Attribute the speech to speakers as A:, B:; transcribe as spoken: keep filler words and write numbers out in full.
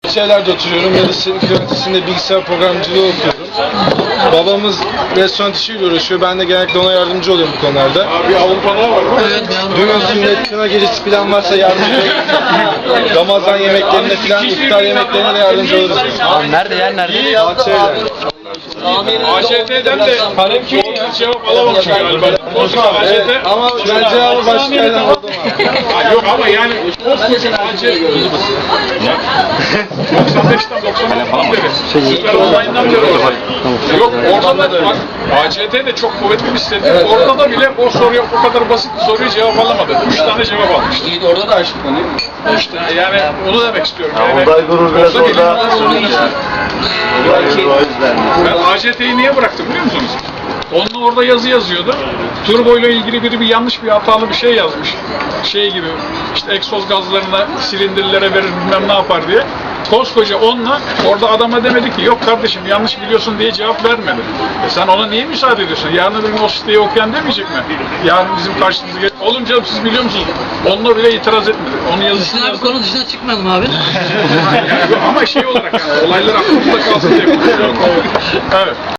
A: şeylerde oturuyorum. Yıldız Teknik Üniversitesi'nde bilgisayar programcılığı okuyorum. Babamız restoran işiyle uğraşıyor. Ben de genellikle ona yardımcı oluyorum bu konularda.
B: Abi Avrupalılar var mı?
C: Evet,
A: Düğün sünnet, kına gecesi falan varsa yardımcı oluyoruz. Ramazan yemeklerine falan, iftar yemeklerine de yardımcı oluruz.
C: Abi nerede yer nerede?
A: Bahçeyle.
B: A Ş T'den de hiç cevap alamamışım galiba. A Ş
A: Evet,
B: T
A: ama ben cevabı başka yerden buldum abi.
B: Ha, yok ama yani koskoca A Ş T doksan beşten doksan altıdan beri Süper Online'dan beri var. Yok orada da bak A Ç T de çok kuvvetli bir site.
A: Evet,
B: orada da bile o soruya o kadar basit bir soruyu cevap alamadı. Üç tane cevap almıştı.
C: İyi de orada da aşık oluyor.
B: İşte yani onu demek istiyorum.
D: Ya,
B: Yani,
D: Uludağ gurur biraz
B: orada
D: orada.
B: bilimler sorunu işte.
D: Belki o yüzden.
B: Ben A Ç T'yi niye bıraktım biliyor musunuz? Onunla orada yazı yazıyordu. Turbo ile ilgili biri bir yanlış bir hatalı bir şey yazmış. Şey gibi işte egzoz gazlarına, silindirlere verir bilmem ne yapar diye. Koskoca onunla orada adama demedi ki yok kardeşim yanlış biliyorsun diye cevap vermedi. E sen ona niye müsaade ediyorsun? Yarın öbür gün o siteyi okuyan demeyecek mi? Yarın bizim karşımıza geç. Oğlum canım siz biliyor musunuz? Onunla bile itiraz etmedi. Onun yazısını
C: Dışına bir
B: yazdı.
C: konu dışına çıkmayalım abi.
B: Yani, ama şey olarak yani olaylar aklımızda kalsın diye. Evet.